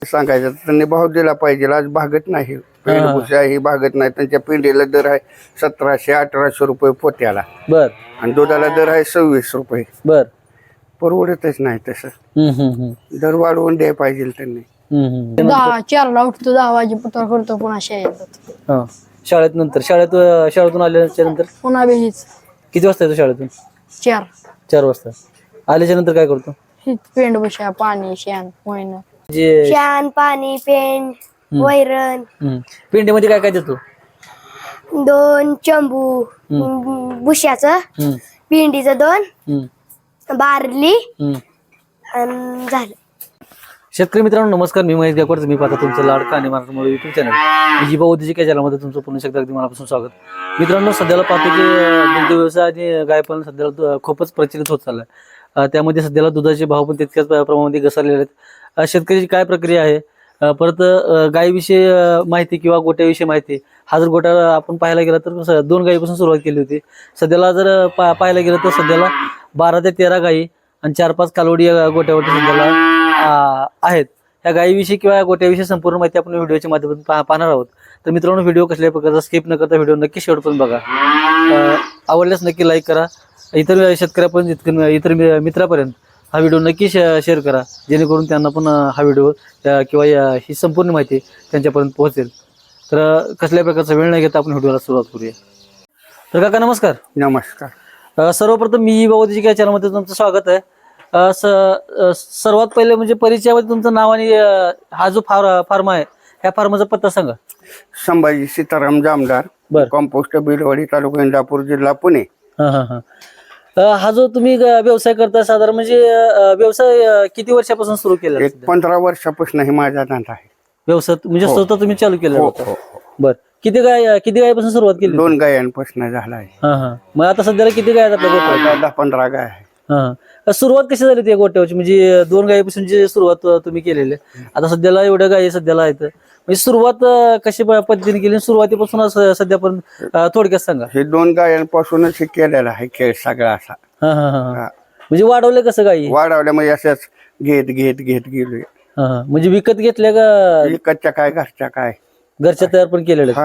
सांगायचं तर त्यांनी भाव दिला पाहिजे. आज भागत नाही, पेंडभुसा ही भागत नाही. त्यांच्या पिंडीला दर आहे 1700-1800 रुपये पोत्याला. बर आणि दुधाला दर आहे 26 रुपये. बर परवडतच नाही तसं. दर वाढवून द्यायला पाहिजे त्यांनी. 4ला उठतो, 10 वाजेपर्यंत करतो, पुन्हा शाळेत शाळेत नंतर शाळेतून आल्याच्या नंतर पुन्हा बेहीच किती वाजता येतो शाळेतून? 4 वाजता. आल्याच्या नंतर काय करतो? पेंड बशा, पाणी, शेण, वैन, जे शेण, पाणी, पेंड, वैरण, पेंडीमध्ये काय काय देतो? 2 चंबू बुश्याचं, पिंडीचं 2, बारली आणि झालं. शेतकरी मित्रांनो नमस्कार, मी महेश गायकवाड. मी पाहता तुमचं लाडका आणि मराठी युट्यूब चॅनल जीबा उद्योजिक या चॅनलमध्ये तुमचं पुन्हा एकदा अगदी मनापासून स्वागत. मित्रांनो, सध्याला पाहतो की दुग्ध व्यवसाय आणि गायपालन सध्याला खूपच प्रचलित होत चाललाय. त्यामध्ये सध्याला दुधाचे भाव पण तितक्याच प्रमाणामध्ये घसरलेले आहेत. शेतकऱ्याची काय प्रक्रिया आहे, परत गायीविषयी माहिती किंवा गोट्याविषयी माहिती. हा जर गोटा आपण पाहायला गेला तर 2 गायीपासून सुरुवात केली होती. सध्याला जर पाहायला गेलं तर सध्याला 12 ते 13 गायी आणि 4-5 कालवडी या गोट्यावरती सध्याला आहेत. या गायीविषयी किंवा या गोट्याविषयी संपूर्ण माहिती आपण व्हिडिओच्या माध्यमातून पाहणार आहोत. तर मित्रांनो, व्हिडिओ कसल्याही प्रकारचा स्किप न करता व्हिडिओ नक्की शेवटपर्यंत बघा. आवडल्यास नक्की लाईक करा. इतर शेतकऱ्यापर्यंत, इतर मित्रापर्यंत हा व्हिडिओ नक्की शेअर करा, जेणेकरून त्यांना पण हा व्हिडिओ किंवा ही संपूर्ण माहिती त्यांच्यापर्यंत पोहोचेल. तर कसल्याही प्रकारचा वेळ नाही घेता आपण व्हिडिओला सुरुवात करूया. तर काका नमस्कार. नमस्कार. सर्वप्रथम मी जीबा उद्योजिक या चॅनलमध्ये तुमचं स्वागत आहे. सर्वात पहिले म्हणजे परिचयामध्ये तुमचं नाव आणि हा जो फार्म आहे ह्या फार्मचा पत्ता सांगा. संभाजी सीताराम जामदार, कंपोस्ट बिलवाडी, तालुका इंदापूर, जिल्हा पुणे. हा जो तुम्ही व्यवसाय करता साधारण म्हणजे व्यवसाय किती वर्षापासून सुरू केला? 15 वर्षापासून हे माझा धंदा आहे. व्यवसाय म्हणजे स्वतः तुम्ही चालू केला होता? हो. बर. किती गायपासून सुरुवात केली? 2 गायांपासून झाला आहे. मग आता सध्याला किती गाय आहेत आपल्या गोट्यावर? 10-15 गाय आहे. सुरुवात कशी झाली त्या गोट्यावरची? म्हणजे 2 गायीपासून जी सुरुवात तुम्ही केलेली, आता सध्याला एवढ्या गायी सध्याला आहेत, म्हणजे सुरुवात कशी पद्धतीने केली? सुरुवातीपासून सध्यापर्यंत थोडक्यात सांगा. हे 2 गायांपासूनच हे केलेला आहे खेळ सगळा असा. म्हणजे वाढवले कसं गायी? वाढवल्या म्हणजे अशाच घेत गेलोय. म्हणजे विकत घेतल्या का? विकतच्या काय, घरच्या काय, घरच्या तयार पण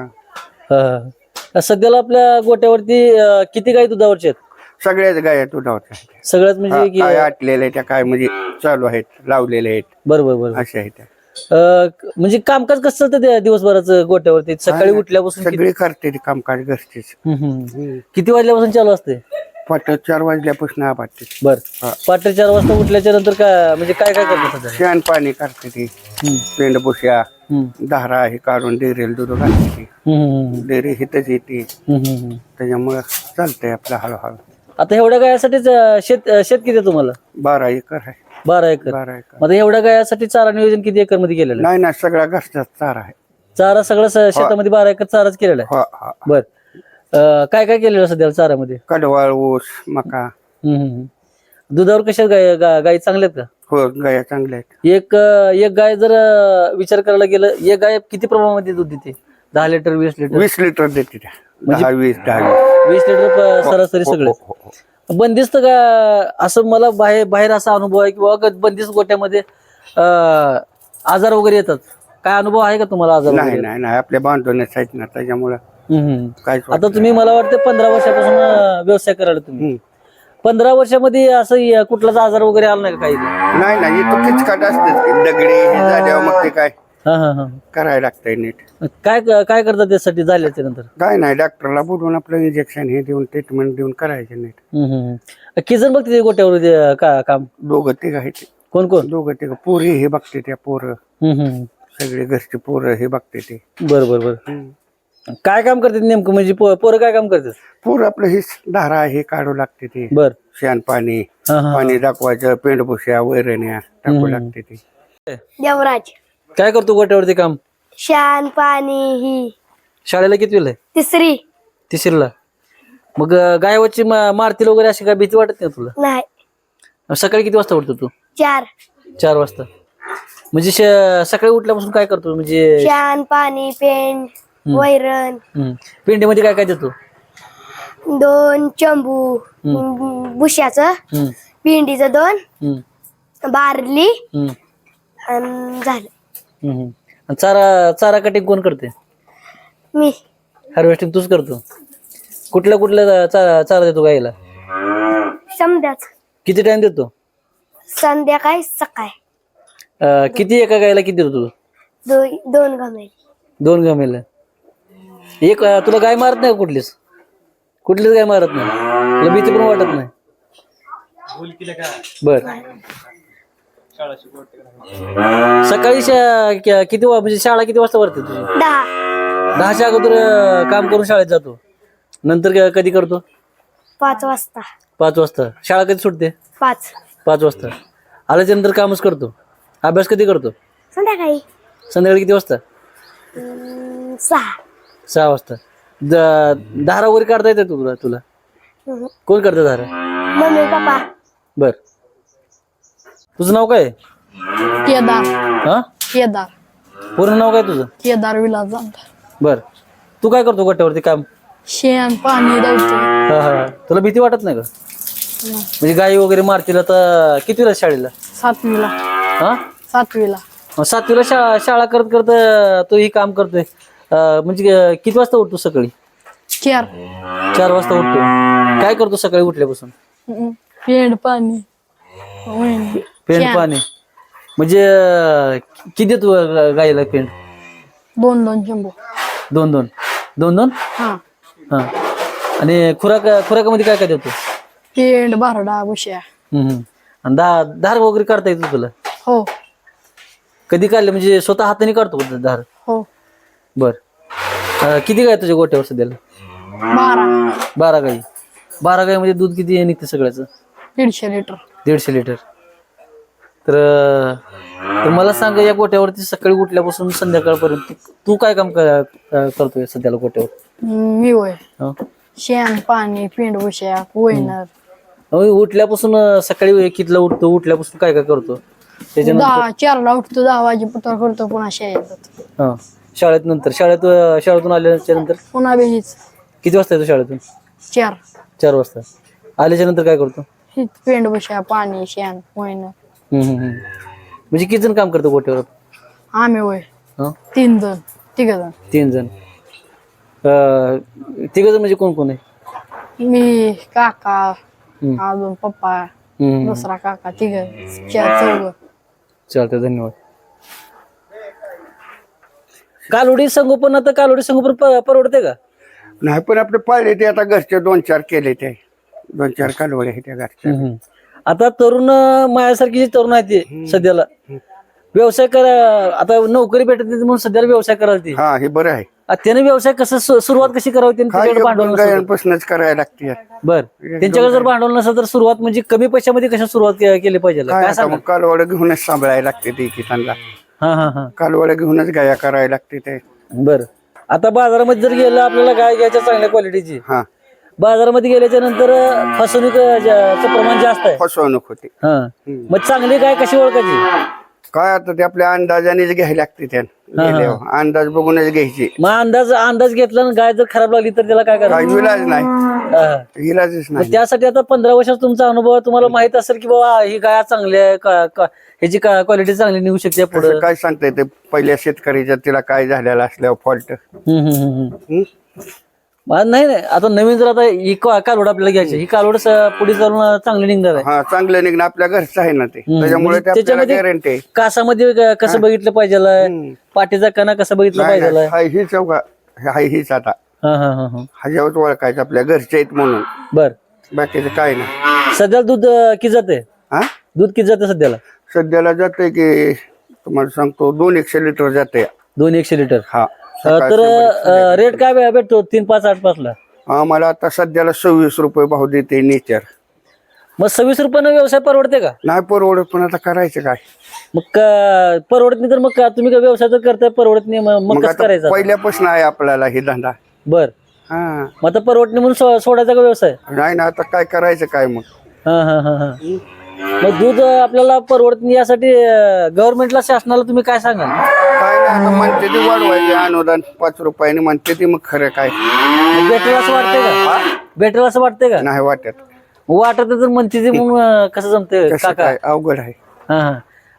केलेल्या. सध्याला आपल्या गोट्यावरती किती गायी दुधावरच्या आहेत? सगळ्याच गाया दुधावरच्या आहेत. सगळ्यात म्हणजे काय आटलेल्या त्या काय म्हणजे चालू आहेत, लावलेले आहेत. बरोबर. अशा आहेत. म्हणजे कामकाज कसं चालतं त्या दिवसभराचं गोट्यावरती? सकाळी उठल्यापासून सगळी करते ती कामकाज घरचीच. किती वाजल्यापासून चालू असते? पहाटे 4 वाजल्यापासून आबादते. बर. पहाटे 4 वाजता उठल्याच्या नंतर काय म्हणजे काय करतात? शेण पाणी करते ती, पेंडभुसा, धारा हे काढून डेरेल दूध घालते. डेअरी हिथच येते, त्याच्यामुळे चालतंय आपलं हळूहळू. आता एवढ्या गायासाठीच शेत किती तुम्हाला? 12 एकर आहे. 12 एकर. आता एवढ्या गायासाठी चारा नियोजन किती एकर मध्ये केलेलं? नाही, सगळा घरचाच चारा आहे. चारा सगळं शेतामध्ये 12 एकर चाराच केलेला आहे. बर. काय काय केलेलं सध्या चाऱ्यामध्ये? कडवाळ, ऊस, मका. दुधावर कशा गायी चांगल्या आहेत का? हो, गाया चांगल्या आहेत. एक गाय जर विचार करायला गेलं, एक गाय किती प्रमाणामध्ये दूध देते? 10 लिटर, 20 लिटर? 20 लिटर देते त्या. 10-20 20 लिटर सरासरी सगळं. बंदिस्त का असं मला बाहेर असा अनुभव आहे की बंदिस्त गोट्यामध्ये आजार वगैरे येतात, काय अनुभव आहे का तुम्हाला? आजार? नाही, आपल्या बांधवण्याच आहेत ना, त्याच्यामुळे काय. आता तुम्ही मला वाटतं 15 वर्षापासून व्यवसाय करायला तुम्ही. 15 वर्षामध्ये असं कुठलाच आजार वगैरे आला नाही का? काही नाही, तो किचकाट असते, दगडी हे झाल्यावर मग ते काय करायला लागतंय नीट. काय करतात त्यासाठी झाल्याच्या नंतर? काय नाही, डॉक्टरला बोलून आपलं इंजेक्शन हे देऊन ट्रीटमेंट देऊन करायचं नीट. किती जण बघते गोट्यावर काम? 2-3 आहेत. कोण? 2-3 पोरी हे बघते, त्या पोरं सगळे घरचे पोरं हे बघते ते. बरोबर. काय काम करतात नेमकं? म्हणजे पोरं काय काम करतात? पोरं आपलं हे धारा हे काढू लागते ते. बर. शेण पाणी दाखवायचं, पेंडभुसा, वैरण्या टाकू लागते ते. देवराज काय करतो गोट्यावरती काम? शेण पाणी ही. शाळेला कितवीला आहे? 3री. मग गायवाची मारतील वगैरे अशी काय भीती वाटत नाही तुला? नाही. सकाळी किती वाजता उठतो तू? 4 वाजता. म्हणजे सकाळी उठल्यापासून काय करतो? म्हणजे शेण पाणी, पेंड, वैरण. पेंडीमध्ये काय काय देतो? 2 चंबू बुश्याचं, पिंडीचं 2, बारली आणि झालं. आणि चारा चारा कटिंग कोण करते? मी हार्वेस्टिंग तूच करतो. कुठल्या चारा देतो गाईला? समजाच किती टाइम देतो? संध्याकाळी सकाळी किती एका गाईला किती देतो तू? 2 गमे. 2 गमेला. एक तुला गाय मारत नाही का कुठलीच गाय मारत नाही? तुला भीती पण वाटत नाही? बर. सकाळी म्हणजे शाळा किती वाजता भरते तुझी? 10च्या अगोदर काम करून शाळेत जातो. नंतर कधी करतो? 5 वाजता. 5 वाजता. शाळा कधी सुटते? 5 वाजता. आल्याच्या नंतर कामच करतो. अभ्यास कधी करतो? संध्याकाळी संध्याकाळी किती वाजता? 6 वाजता. धारा वगैरे काढता येते तुला? कोण करतं धारा? Mummy papa. बर. तुझं नाव काय? केदार. हा, केदार पूर्ण नाव काय तुझं? केदार विलास जामदार. बर. तू काय करतो गोट्यावरती काम? शेण पाणी दवतो. हा. तुला भीती वाटत नाही का? म्हणजे गाई वगैरे मारतील तर कितीला शाळेला? 7वीला. हा, 7वीला. 7वीला शाळा करत करत तो ही काम करतोय. म्हणजे किती वाजता उठतो सकाळी? 4 वाजता उठतो. काय करतो सकाळी उठल्यापासून? पेंड पाणी पेंड पाणी. म्हणजे किती देतो गाईला पेंड? 2 चंबू. 2 हा. हा. आणि खुराकामध्ये काय काय देतो? पेंड बारडा बुश्या. आणि धार वगैरे काढता येतो तुला? हो कधी काढले? म्हणजे स्वतः हाताने काढतो का धार? हो. बर. किती गाय तुझ्या गोट्यावर सध्याला? 12 गाई. 12 गाईमध्ये दूध किती निघते सगळ्याचं? 150 लिटर. 150 लिटर. तर मला सांग, या गोट्यावरती सकाळी उठल्यापासून संध्याकाळपर्यंत तू काय काम करतोय सध्याला गोट्यावर? मी होय हं? शेण पाणी पेंड बुश्या वैनर. उठल्यापासून सकाळी कितीला उठतो? उठल्यापासून काय काय करतो? त्याच्यानंतर 4ला उठतो 10 वाजेपर्यंत करतो पुन्हा शाळेत जातो. हा, शाळेतून आल्याच्या नंतर पुन्हा बेहीच किती वाजता येतो शाळेतून? 4 वाजता. आल्याच्या नंतर काय करतो? पेंड बुश्या पाणी शेण वैनर. म्हणजे किती जण काम करतो गोट्यावर? आम्ही होय हं? 3 जण 3 जण. 3 जण म्हणजे कोण कोण आहे? मी काका अजून पप्पा दुसरा काका 4 चालतंय, धन्यवाद. कालोडी संगोपन, आता कालोडी संगोपन परवडते का? नाही, पण आपले पाळले ते आता घरचे 2-4 केले ते. 2-4 कालवडे आहेत त्या घरच्या. आता तरुण माझ्यासारखी जे तरुण आहेत ते सध्याला व्यवसाय करा, आता नोकरी भेटत नाही म्हणून सध्याला व्यवसाय करायला ते. हा, हे बरं आहे. त्याने व्यवसाय कसं सुरुवात कशी करावी? त्यांच्याकडे भांडवल नसेल. गायांपासूनच करायला लागते. बर. त्यांच्याकडे जर भांडवल नसेल तर सुरुवात म्हणजे कमी पैशामध्ये कशा सुरुवात केली पाहिजे? काय काय आता सांगा? मग कालवड घेऊनच सांभाळायला लागते ते किसानला. हा. कालवड घेऊनच गाया करायला लागते ते. बर. आता बाजारामध्ये जर गेलं आपल्याला गाय घ्यायच्या चांगल्या क्वालिटीची, हा, बाजारामध्ये गेल्याच्या नंतर फसवणुकीचं प्रमाण जास्त आहे. फसवणूक होते. हा. मग चांगली गाय कशी ओळखायची? काय आता ते आपल्या अंदाजानेच घ्यायला लागते त्यानं. अंदाज बघूनच घ्यायची. मग अंदाज घेतला आणि गाय जर खराब लागली तर त्याला काय काय करायचं? इलाज नाही, इलाजच मग नाही. त्यासाठी आता 15 वर्षात तुमचा अनुभव आहे, तुम्हाला माहित असेल की बाबा ही गाय चांगली आहे, ह्याची क्वालिटी चांगली निघू शकते पुढे. असं काय सांगता येते पहिल्या शेतकऱ्याच्या तिला काय झालेलं असल्यावर फॉल्ट. नाही आता नवीन जर आता ही कालवड आपल्याला घ्यायची, ही कालवड पुढे चालून चांगली निघणार आहे. हा, चांगलं निघणं आपल्या घरचं आहे ना ते, त्याच्यामुळे ते आपल्याला त्याच्यामध्ये गॅरंटी आहे. कासामध्ये कसं बघितलं पाहिजे, पाठीचा कणा कसा बघितला नाही, पाहिजे. नाही, हाय हीच चौका, हाय हीच आता हा. ह्याच्यावर ओळखायचं आपल्या घरचे आहेत म्हणून. बर. बाकीचं काय नाही. सध्याला दूध किती जाते? हा, दूध किती जाते सध्याला? सध्याला जाते की तुम्हाला सांगतो 200 लिटर जाते. 100 लिटर. हा, तर रेट काय भेटतो? 3, 5, 8, 5 ला? आम्हाला आता सध्याला 26 रुपये भाव देते नेचर. मग 26 रुपयानं व्यवसाय परवडते का? नाही परवडत, पण आता करायचं काय? मग परवडत नाही तर मग तुम्ही काय व्यवसाय तर करताय, परवडत नाही मग मग कसं आता करायचं? पहिल्यापासून आहे आपल्याला हे धंदा. बर. हा, मग आता परवडत नाही म्हणून सोडायचा का व्यवसाय? नाही ना, आता काय करायचं काय मग? हा. मग दूध आपल्याला परवडत नाही यासाठी गव्हर्नमेंटला, शासनाला तुम्ही काय सांगाल? काय नाही, आता म्हणते ती वाढवायचे अनुदान 5 रुपयाने म्हणते ती, मग खरं काय? भेटेल असं वाटतंय का? भेटेल असं वाटतंय का? नाही वाटत. वाटत तर म्हणते ती, मग कसं जमतंय कसं काका? काय? अवघड आहे. हा.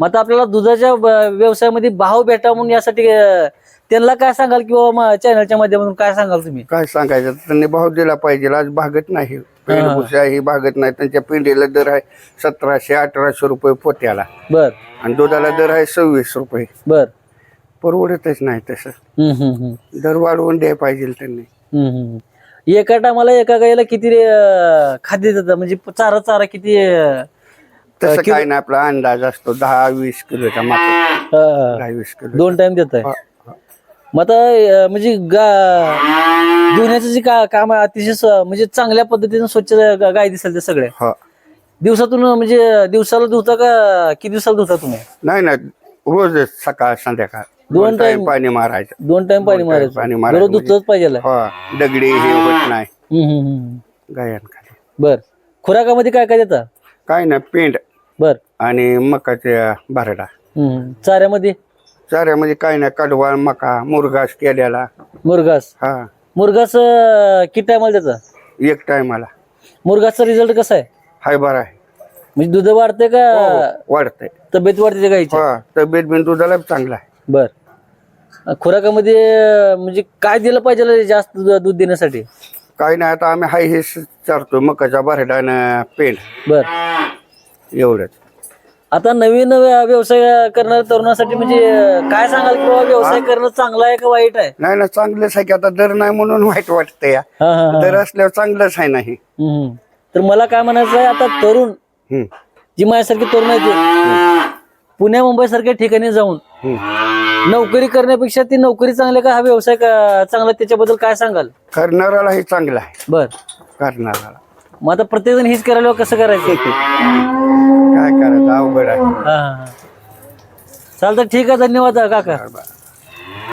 मग आता आपल्याला दुधाच्या व्यवसायामध्ये भाव भेटा म्हणून यासाठी त्यांना काय सांगाल किंवा चॅनलच्या माध्यमातून काय सांगाल तुम्ही? काय सांगायचं, त्यांनी भाव दिला पाहिजे. आज भागत नाही, पेंडभुसा ही भागत नाही. त्यांच्या पेंडीला दर आहे 1700-1800 रुपये पोत्याला बर आणि दुधाला दर आहे 26 रुपये. बर परवडतच नाही तसं. दर वाढवून द्यायला पाहिजे त्यांनी. एका टायमाला एका गाईला किती खाद्य देतात म्हणजे चारा किती तसं काय नाही, आपला अंदाज असतो 10-20 किलोचा मात्र 10-20 किलो. 2 टाइम देत आहे. मग आता म्हणजे धुण्याचं जे काम आहे अतिशय म्हणजे चांगल्या पद्धतीने स्वच्छ गाय दिसेल ते सगळे. हो. दिवसातून म्हणजे दिवसाला धुता का किती दिवसाला धुता तुम्ही? नाही ना, रोज सकाळ संध्याकाळ 2 टाइम पाणी मारायचं. 2 टाइम पाणी मारायचं. पाणी दररोज मारायचं धुतलंच पाहिजे. हो, दगडी हे होत नाही गायांखाली. बर खुराकामध्ये काय काय देता? काय ना, पेंड बर आणि मकाच्या बारडा. चाऱ्यामध्ये चाऱ्यामध्ये काय नाही, कडवा, मका, मुरघास केलेला. मुरघास हा, किती टायमाला देता? एक टायमाला. मुरघासचा रिझल्ट कसा आहे? हाय बरा आहे. म्हणजे दूध वाढते का वाढतंय. तब्येत वाढते गाईची? हा, तब्येत बिन दुधाला चांगला आहे. बर खुराकामध्ये म्हणजे काय दिलं पाहिजे जास्त दूध देण्यासाठी? काय नाही, आता आम्ही हाय हे चारतो, मकाचा बारडा आणि पेंड बर एवढंच. आता नवीन व्यवसाय करणाऱ्या तरुणासाठी म्हणजे काय सांगाल की बाबा व्यवसाय करणं चांगला आहे का वाईट आहे? नाही ना, चांगलंच आहे की. आता दर नाही म्हणून वाईट वाटतंय. दर असल्यावर चांगलंच आहे. नाही तर मला काय म्हणायचं आहे, आता तरुण जी माझ्यासारखी तरुण आहे ते पुण्या मुंबई सारख्या ठिकाणी जाऊन नोकरी करण्यापेक्षा ती नोकरी चांगली का हा व्यवसाय चांगला, त्याच्याबद्दल काय सांगाल? करणारालाही चांगला आहे. बर करणाराला मग आता प्रत्येक जण हीच करायला कसं करायचं? काय करायचं, अवघड आहे. चालतं, ठीक आहे, धन्यवाद काका. बरं.